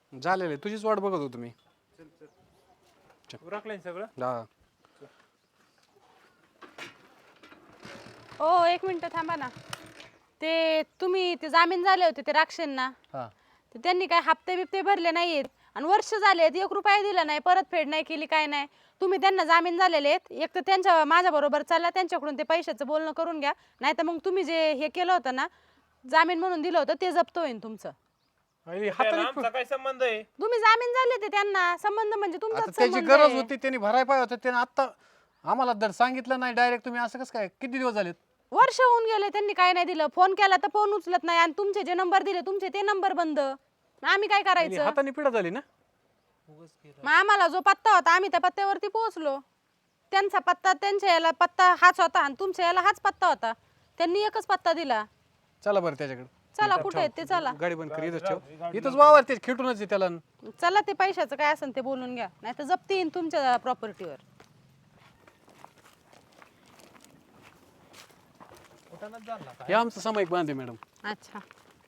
झालेले तुझीच वाट बघत होतो मी. उरकलंय सगळं. हा ओ एक मिनिट थांबा ना. ते तुम्ही ते जामीन झाले होते ते राक्षेंना, हा तर त्यांनी काय हप्ते बिप्ते भरले नाहीयेत आणि वर्ष झालेत 1 रुपया दिला नाही, परतफेड नाही केली, काय नाही. तुम्ही त्यांना जामीन झालेले आहेत, एक तर त्यांच्या माझ्या बरोबर चला, त्यांच्याकडून ते पैशाचं बोलणं करून घ्या, नाही तर मग तुम्ही जे हे केलं होतं ना, जामीन म्हणून दिलं होतं ते जप्त होईल तुमचं. आणि त्याला हाताने आमचा काय संबंध आहे? तुम्ही जामीन झाले ते त्यांना, संबंध म्हणजे आता तुमचाच त्याची संबंध गरज आहे. होती, त्यांनी भरायला पाहिजे होतं. त्याने आता आम्हाला दर सांगितलं नाही डायरेक्ट. तुम्ही असं कसं काय, किती दिवस झालेत? वर्ष होऊन गेले, त्यांनी काय नाही दिलं. फोन केला तर फोन उचलत नाही, आणि तुमचे जे नंबर दिले तुमचे ते नंबर बंद. मग आम्ही काय आणि करायचं? हाताने पिढा झाली ना. मग आम्हाला जो पत्ता होता आम्ही त्या पत्त्यावरती पोहोचलो. त्यांचा पत्ता, त्यांच्या याला पत्ता हाच होता आणि तुमच्या याला हाच पत्ता होता. त्यांनी एकच पत्ता दिला. चला बरं त्याच्याकडे. चला कुठे आहेत ते, चला. गाडी बंद कर, इथंच ठेव. इथंच वावर ते खेटूनच आहे त्याला. चला ते पैशाचं काय असेल ते बोलून घ्या, नाही तर जप्ती येईन तुमच्या प्रॉपर्टीवर. हे आमचं सामायिक बांधे मॅडम. अच्छा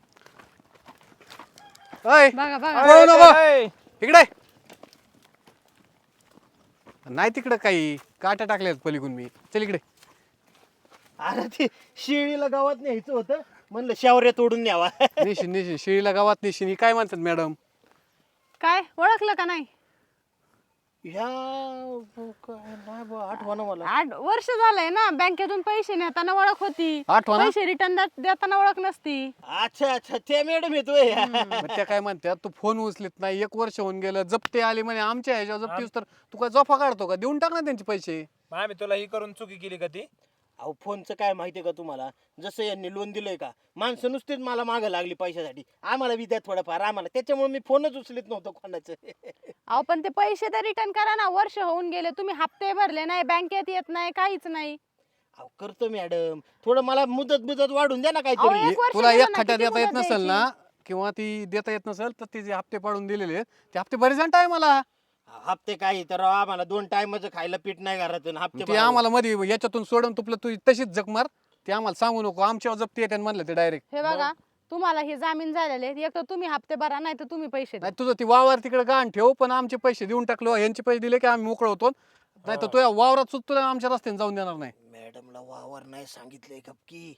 अय बघा बघा. पळू नको. ए, इकडे नाही, तिकडे काही काट्या टाकल्यात पलीकडून. मी चल इकडे. अरे ते शिळीला गावात न्यायचं होतं, म्हणलं शावऱ्या तोडून न्यावा. निशिन निशिन शिळीला गावात निशिन ही काय म्हणतात मॅडम? काय ओळखलं का नाही? ह्या काय नाही बा, आठवण मला. 8 वर्ष झालंय ना, बँकेतून पैसे नेताना ओळख होती, आठवण? पैसे रिटर्न देताना ओळख नसती. अच्छा अच्छा, ते मॅडम येतोय. मग त्या काय म्हणतात, तू फोन उचलत नाही, 1 वर्ष होऊन गेलं, जप्ते आले म्हणे आमच्या ह्याच्यावर जप्तीस, तर तू काय जोफा काढतो का? देऊन टाक ना त्यांचे पैसे. मग आम्ही तुला ही करून चुकी केली का ती? अहो फोनचं काय माहितीये का तुम्हाला, जसं यांनी लोन दिलंय का, माणसं नुसतीच मला मागं लागली पैशासाठी. आम्हाला बी द्या थोडंफार आम्हाला, त्याच्यामुळे मी फोनच उचलत नव्हतो कोणाचं. अहो पण ते पैसे तर रिटर्न करा ना. वर्ष होऊन गेले, तुम्ही हप्ते भरले नाही, बँकेत येत नाही, काहीच नाही. अहो करतो मॅडम, थोडं मला मुदत वाढून द्या ना अहो, काहीतरी. एक वर्ष तुला गेलं एक ना, खट्या किती देता येत मुदत नसेल ना, किंवा ती देता येत नसेल, तर तिचे हप्ते पाडून दिलेले आहेत. ते हप्ते बरेच जण टायमाला. हप्ते काय तर राव, आम्हाला 2 टाइमचं खायला पीठ नाही घरातून हप्ते ते आम्हाला मध्ये याच्यातून सोडून तुपलं, तू तशीच जग मार. ते आम्हाला सांगू नको, आमच्यावर जप्ती येते म्हणलं ते डायरेक्ट. हे बघा, तुम्हाला हे जामीन झालेले आहेत. एक तर तुम्ही हप्ते भरा, नाही तर तुम्ही पैसे द्या. नाही तुझं ती वावर तिकडे गाण ठेव, पण आमचे पैसे देऊन टाकलो. यांचे पैसे दिले की आम्ही मोकळ होतो. नाही तर तुझ्या वावरात सुद्धा तुला आमच्या रस्त्याने जाऊन देणार नाही. मॅडमला वावर नाही सांगितलंय गपकी.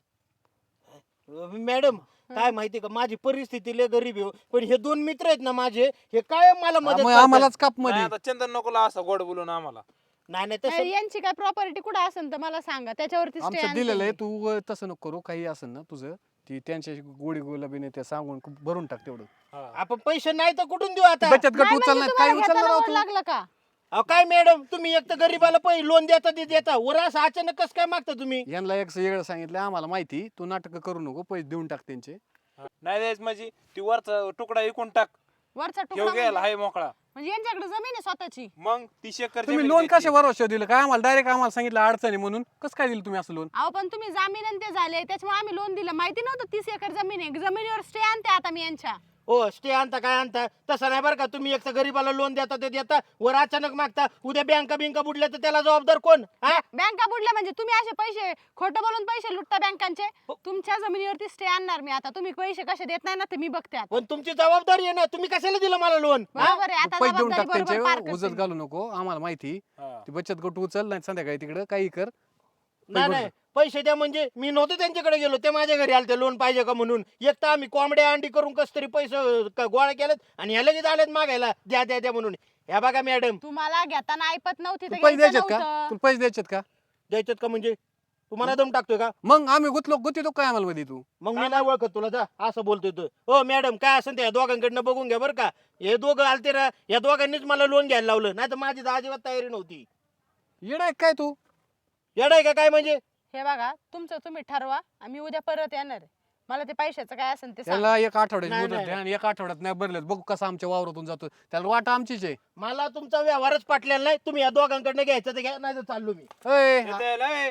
मॅडम काय माहितीये का, माझी परिस्थिती लय गरीब आहे हो. पण हे 2 मित्र आहेत ना माझे, हे काय मला मदत मग करतात. आम्हालाच काप नाही, मध्ये. आता चंदन नकोला असं गोड बोलून आम्हाला. नाही नाही नाही, तसं यांची काय प्रॉपर्टी कुठं असेल तर मला सांगा, त्याच्यावरती stay आमचं आणते दिलेलं आहे, मी. तू तसं नको करू. काही असेल ना तुझं, ती त्यांच्याशी गोडी गुलाबीने ते सांगून भरून टाक तेवढं. हा. आपण पैसे नाही तर कुठून देऊ आता? बचत गट नाही उचल म्हणजे नाही, तुम्हाला काय उचलणार घेताना आहोत ओढ तू? लागलं का? अहो काय मॅडम, तुम्ही एक तर गरीबाला पैसे लोन देता ते देता, वर असं अचानक कसं काय मागता तुम्ही? यांना एक वेगळं सांगितलं आम्हाला माहिती. तू नाटक करू नको, पैसे देऊन टाक त्यांचे. नाही द्यायचं म्हणजे ती वरचा तुकडा विकून टाक. वरचा ठेव तुकडा गेला म्हणजे हाय मोकळा. म्हणजे यांच्याकडे जमीन आहे स्वतःची. मग 30 एकर तुम्ही जमीन लोन घ्यायची. कशा भरोसा दिलं काय आम्हाला? डायरेक्ट आम्हाला सांगितलं अडचणी म्हणून. कसं काय दिलं तुम्ही असं लोन? अहो पण तुम्ही जामीन आणि ते झाले, त्याच्यामुळे आम्ही लोन दिलं. माहिती नव्हतं 30 एकर जमीन आहे. जमिनीवर स्टे आणते आता मी यांच्या. हो स्टे आणता काय आणता, तसं नाही बरं का. तुम्ही एक तर गरीबाला लोन देता ते देता, वर अचानक मागता. उद्या बँका बुडल्या तर त्याला जबाबदार कोण? हा? बँका बुडल्या म्हणजे तुम्ही असे पैसे खोटं बोलून पैसे लुटता बँकांचे. तुमच्या जमिनीवरती स्टे आणणार मी आता. तुम्ही पैसे कसे देत नाही ना ते मी बघते आता. पण तुमची जबाबदारी आहे ना, तुम्ही कशाला दिलं मला लोन? बरोबर आहे, आता पैसे देऊन जबाबदारी टाक बरोबर पार त्यांचे, करते उजत मी. घालू नको. आम्हाला माहिती. हा. ती बचत गट उचल, नाही संध्याकाळी तिकडं काही कर. नाही नाही पैसे द्या म्हणजे मी नव्हतो त्यांच्याकडे गेलो, ते माझ्या घरी आले लोन पाहिजे का म्हणून. एक तर आम्ही कोंबड्या अंडी करून कस तरी पैसे गोळा केलेत, आणि ह्या लगेच आलेत मागायला द्या द्या द्या म्हणून. ह्या बघा मॅडम, तुम्हाला घेताना ऐपत नव्हती तर तुला पैसे घ्यायचं द्यायचेत का? नव्हतं. तुला पैसे द्यायचेत का? द्यायचं का म्हणजे? तुम्हाला दम टाकतोय का? मग आम्ही गुतलो काय आम्हाला मध्ये तू? मग मी नाही ओळखत तुला, जा असं बोलतोय तू. हो मॅडम काय असेल ते या दोघांकडनं बघून घ्या बरं का. हे दोघं आलते ना, या दोघांनीच मला लोन घ्यायला लावलं, नाही तर माझी तर अजिबात तयारी नव्हती. येडा आहे काय तू? येडाय का काय म्हणजे? हे बघा, तुमचं तुम्ही ठरवा. आम्ही उद्या परत येणार आहे. मला ते पैशाचं काय असेल ते सांगा. त्याला 1 आठवड्याची नाही, मुदत नाही. द्या, आणि 1 आठवड्यात नाही भरलेत बघू कसं आमच्या वावरातून जातो. त्याला वाट आमचीच आहे. मला तुमचा व्यवहारच पाटलेला नाही. तुम्ही या दोघांकडनं घ्यायचं तर घ्या, नाही तर चाललो मी. अय, येता यायला, ए.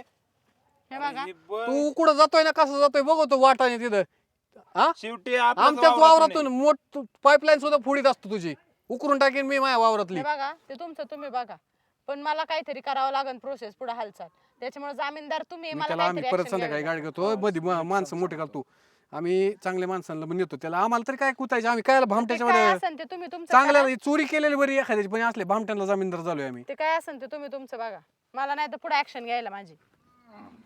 हे बघा, ही ब- तू कुठं जातोय ना, कसं जातोय बघतो वाटाने तिथं. हा, शेवटी आपल्याच आमच्याच वावरातून वावरातून मोठ पाईपलाईन सुद्धा फोडीत असतो तुझी. उकरून टाकेन मी माझ्या वावरातली. हे बघा, ते तुमचं तुम्ही बघा. पण मला काहीतरी करावं लागेल, प्रोसेस पुढे हालचाल. त्याच्यामुळे जामीनदार तुम्ही, मी मला त्याला आम्ही काहीतरी परत action संध्याकाळी घ्यावी गाडी घेतो मध्ये माणसं मोठी घालतो. आम्ही चांगल्या माणसांना पण नेतो त्याला, आम्हाला तरी काय कुतायचे, आम्ही काय भामट्याच्या ते काय मध्ये असेल ते तुम्ही तुमचं चांगल्या करा. चोरी केलेली बरी एखाद्याची, पण असले भामट्यांना जामीनदार झालोय आम्ही. ते काय असेल ते तुम्ही तुमचं बघा, मला नाही तर पुढे ऍक्शन घ्यायला माझी.